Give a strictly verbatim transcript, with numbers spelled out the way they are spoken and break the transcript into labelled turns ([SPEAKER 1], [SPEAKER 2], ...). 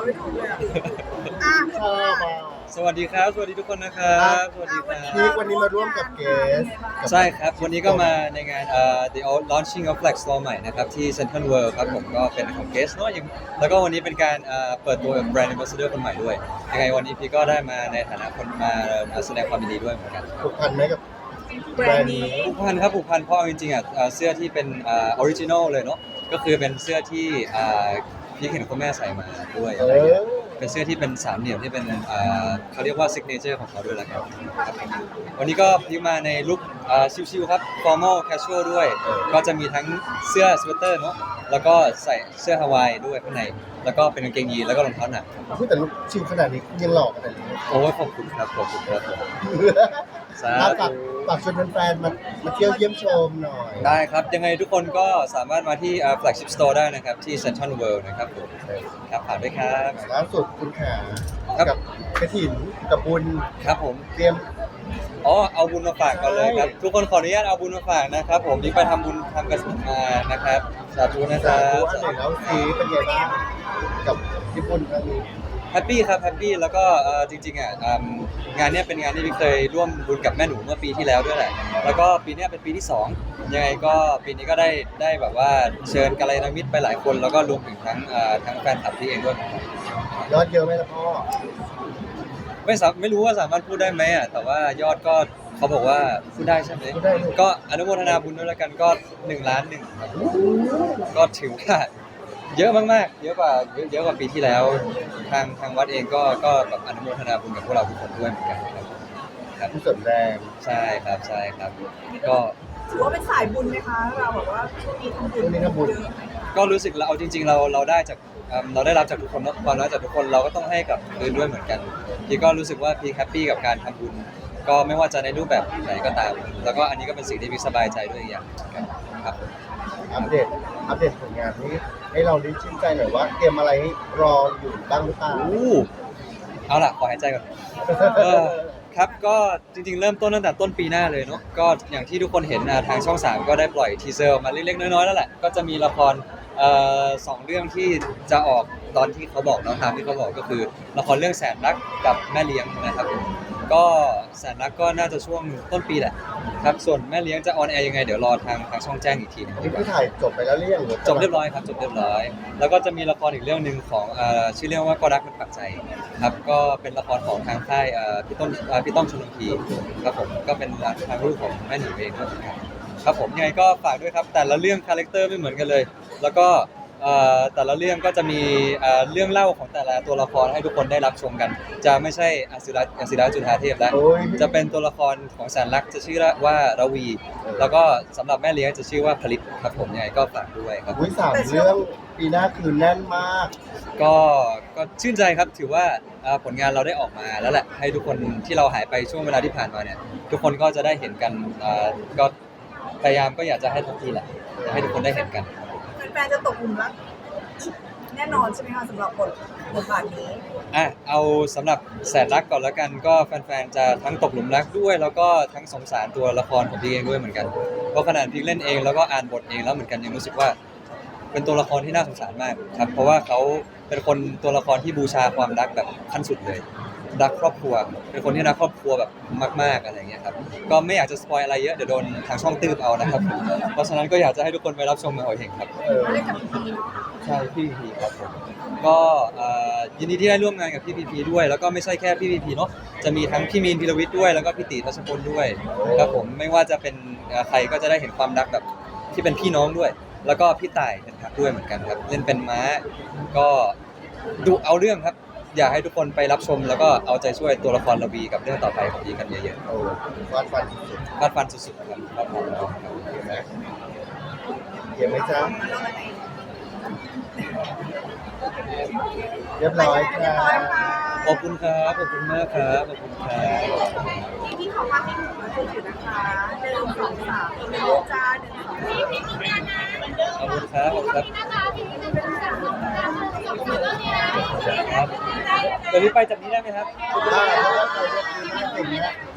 [SPEAKER 1] ไม่ถูกเลยอ่ะอ่ะ
[SPEAKER 2] ชอบอ่ะ
[SPEAKER 3] สวัสดีครับสวัสดีทุกคนนะครับสวัสดีครับ
[SPEAKER 2] พีควันนี้มาร่วมกับเกส
[SPEAKER 3] ใช่ครับวันนี้ก็มาในงานเอ่อ The Launching of Flex Store ใหม่นะครับที่ Central World ครับผมก็เป็นของเกสเนาะยังแล้วก็วันนี้เป็นการเอ่อเปิดตัวแบรนด์ Ambassador คนใหม่ด้วยยังไงวันนี้พี่ก็ได้มาในฐานะคนมามาแสดงความยินดีด้วยเหมือนกัน
[SPEAKER 2] ผูกพันไหมกับ
[SPEAKER 1] แบรนด์นี้
[SPEAKER 3] ผูกพันครับผูกพันเพราะเอาจริงๆอ่ะเอ่อเสื้อที่เป็นออริจินอลเลยเนาะก็คือเป็นเสื้อที่อ่าพี่เห็นคุณแม่ใส่มาด้วย
[SPEAKER 2] เอ
[SPEAKER 3] อะไรเงี้ย
[SPEAKER 2] อ
[SPEAKER 3] เป็นเสื้อที่เป็นสามเหลี่ยมที่เป็นอ่าเขาเรียกว่าซิกเนเจอร์ของเขาด้วยแล้วกันครับวันนี้ก็พี่มาในลุคอ่าชิวๆครับ formal casual ด้วย ก็จะมีทั้งเสื้อสเวตเตอร์เนาะแล้วก็ใส่เสื้อฮาวายด้วยข้างในแล้วก็เป็นกางเกงยีนแล้วก็รองเท้าหนัก
[SPEAKER 2] พูดแต่ลูกชิวขนาดนี้ยังหลอกขนาดนี้
[SPEAKER 3] โอ้ยขอบคุณครับขอบคุณครับผมสา
[SPEAKER 2] ถ้า
[SPEAKER 3] ธุ
[SPEAKER 2] ฝากฝากชวนแฟนๆมามาเที่ยวเยี่ยมชมหน่อย
[SPEAKER 3] ได้ครับ ยังไงทุกคนก็สามารถมาที่อ่า flagship store ได้นะครับ ที่ Central World นะครับผมครับฝากด้วยครับ
[SPEAKER 2] ล่าสุดคุณขา
[SPEAKER 3] ครับ
[SPEAKER 2] กับกระถิ่นกับบุญ
[SPEAKER 3] ครับผม
[SPEAKER 2] เตรียม
[SPEAKER 3] อ๋อเอาบุญมาฝากก่อนเลยครับ
[SPEAKER 2] ใช่
[SPEAKER 3] ทุกคนขออนุญาตเอาบุญมาฝากนะครับ ผมนี่ไปทำบุญทำกระถิ่นมานะครับ สาธุนะค
[SPEAKER 2] สา
[SPEAKER 3] รั
[SPEAKER 2] ธุ
[SPEAKER 3] บ
[SPEAKER 2] อันไหนแล้วซีเป็นไงบ้างกับญี่ปุ่นครั้งนี้
[SPEAKER 3] แฮปปี้ครับแฮปปี้แล้วก็เอ่อจริงๆอ่ะอืมงานเนี้ยเป็นงานที่พี่เคยร่วมบุญกับแม่หนูเมื่อปีที่แล้วด้วยแหละแล้วก็ปีเนี้ยเป็นปีที่สองยังไงก็ปีนี้ก็ได้ได้แบบว่าเชิญกัลยาณมิตรไปหลายคน แล้วก็รวมถึงทั้งเอ่อทั้งแฟนคลับที่เองด้วยเหมือนกัน
[SPEAKER 2] ยอดเยอะไหมล่ะพ่อ
[SPEAKER 3] ไม่สามไม่รู้ว่าสามารถพูดได้ไหมอ่ะแต่ว่ายอดก็เขาบอกว่าพูดได้ใช่ไหม
[SPEAKER 2] พูดได้ลูก
[SPEAKER 3] ก็อนุโมทนาบุญด้วยแล้วกันก็หนึ่งล้านหนึ่งครับก็ถือว่าเยอะมากๆเยอะกว่าเยอะเยอะกว่าปีที่แล้ว ทางทางวัดเองก็ก็แบบอนุโมทนาบุญกับพวกเราทุกคนด้วยเหมือนกันครับครับ
[SPEAKER 2] ผู้เสริมแรง
[SPEAKER 3] ใช่ครับใช่ครับ ก็
[SPEAKER 1] ถือว่าเป็นสายบุญไหมคะเราแบบว่าช่วงนี้ทำบุญ
[SPEAKER 2] ช่วงนี้ทำบุญ
[SPEAKER 1] เยอะไหมคะ
[SPEAKER 3] ก็รู้สึกเราเอาจริง ๆ เราเราได้จากเอิ่มเราได้รับจากทุกคนเนอะความรักจากทุกคนเราก็ต้องให้กับคืนด้วยเหมือนกันพี่ก็รู้สึกว่าพี่แฮปปี้กับการทำบุญ ก็ไม่ว่าจะในรูปแบบไหนก็ตาม แล้วก็อันนี้ก็เป็นสิ่งที่พี่สบายใจด้วยอีกอย่างเหมือนกันครับ
[SPEAKER 2] อัปเดตอัปเดตผลงานนี้ให้เราได้ชื่นใจหน่อยว่าเตรียมอะไรให้รออยู่บ้างหรือเปล่า
[SPEAKER 3] อู้เอาล่ะขอหายใจก่อน เออครับก็จริงๆ เริ่มต้นตั้งแต่ต้นปีหน้าเลยเนาะก็อย่างที่ทุกคนเห็นอ่ะทางช่องสามก็ได้ปล่อยทีเซอร์ออกมาเล็กๆน้อยๆแล้วแหละก็จะมีละครเอ่อสองเรื่องที่จะออกตอนที่เขาบอกเนาะตามที่เขาบอกก็คือละครเรื่องแสนรักกับแม่เลี้ยงนะครับผมก็แสนรักก็น่าจะช่วงต้นปีแหละครับส่วนแม่เลี้ยงจะออนแอร์ยังไงเดี๋ยวรอทางทางช่องแจ้งอีกทีหนึงดี
[SPEAKER 2] นี่
[SPEAKER 3] กว่า
[SPEAKER 2] คือถ่ายจบไปแล้วหรือยังห
[SPEAKER 3] จบเรียบร้อยครับจบเรียบร้อย แล้วก็จะมีละครอีกเรื่องหนึ่งของเอ่อชื่อเรื่องว่าก็รักมันปักใจครับก็เป็นละครของทางค่ายเอ่อพี่ต้นเอ่อพี่ต้อมชลพีครับผมก็เป็นทางลูกของแม่หนูเองด้วยเหมือนกันครับผมยังไงก็ฝากด้วยครับแต่ละเรื่องคาแรคเตอร์ไม่เหมือนกันเลย แล้วก็เอ่อแต่ละเรื่องก็จะมีเอ่อเรื่องเล่าของแต่ละตัวละครให้ทุกคนได้รับชมกัน จะไม่ใช่อศิระอศิระจุฑาเทพแล้ว
[SPEAKER 2] โอ้ย
[SPEAKER 3] จะเป็นตัวละครของแสนรักจะชื่อว่าระวี แล้วก็สำหรับแม่เลี้ยงจะชื่อว่าผลิตครับผมยังไงก็ฝากด้วยครับ
[SPEAKER 2] อุ้ยสามเรื่องปีหน้าคือแน่นมาก
[SPEAKER 3] ก็ก็ชื่นใจครับถือว่าเอ่อผลงานเราได้ออกมาแล้วแหละให้ทุกคนที่เราหายไปช่วงเวลาที่ผ่านมาเนี่ยทุกคนก็จะได้เห็นกันเอ่อก็พยายามก็อยากจะให้ทันทีแหละให้ทุกคนได้เห็นกัน
[SPEAKER 1] แฟนๆจะตกหลุมรักแน่นอนใช่ไหมคะสำหรับบทบทบาทนี้
[SPEAKER 3] อ่ะเอาสำหรับแสนรักก่อนแล้วกันก็แฟนๆจะทั้งตกหลุมรักด้วย แล้วก็ทั้งสงสารตัวละครของพี่เองด้วยเหมือนกันเพราะขนาดพี่เล่นเองแล้วก็อ่านบทเองแล้วเหมือนกันยังรู้สึกว่า เป็นตัวละครที่น่าสงสารมากครับเพราะว่าเขาเป็นคนตัวละครที่บูชาความรักแบบขั้นสุดเลยรักครอบครัว เป็นคนที่รักครอบครัวแบบมากๆอะไรอย่างเงี้ยครับก็ไม่อยากจะสปอยอะไรเยอะเดี๋ยวโดนทางช่องตืบเอานะครับเพราะฉะนั้นก็อยากจะให้ทุกคนไปรับชมกันเอาเองครับ
[SPEAKER 2] เออ
[SPEAKER 1] เล่นกับพีพีเนาะ
[SPEAKER 3] ใช่พี่พีพีครับผมก็เอ่อยินดีที่ได้ร่วมงานกับพี่พีพีด้วย แล้วก็ไม่ใช่แค่พี่พีพีเนาะจะมีทั้งพี่มีนพิรวิทย์ด้วยแล้วก็พี่ตีทัชพลด้วยครับผมไม่ว่าจะเป็นเอ่อใครก็จะได้เห็นความรักแบบที่เป็นพี่น้องด้วย แล้วก็พี่ต่ายเป็นพักด้วยเหมือนกันครับเล่นเป็นม้าก็ดุเอาเรื่องครับ อยากให้ทุกคนไปรับชม แล้วก็เอาใจช่วยตัวละครระวีกับเรื่องต่อไปของพีกันเยอะ
[SPEAKER 2] โอ้ฟาดฟันสุด
[SPEAKER 3] ๆฟาดฟันสุดๆครับครับผมครับ
[SPEAKER 2] ๆเห็นไหมเห็นไหมจ๊ะเรียบร้อยค่ะ
[SPEAKER 3] ขอบคุณครับขอบคุณมากครับขอบคุณครับ
[SPEAKER 1] ที่พี่เขามาให้หนูมาช่วยอยู่นะคะหนึ่งสองสามอีกหนึ่งลูกจ้าหนึ่งสองสาม
[SPEAKER 3] ขอบคุณครับขอบคุณครับครับเดี๋ยวนี้ไปจากนี้ได้ไหมครับ
[SPEAKER 2] ได้เพราะว่าเราเรียกคือหน้าเก่งนะ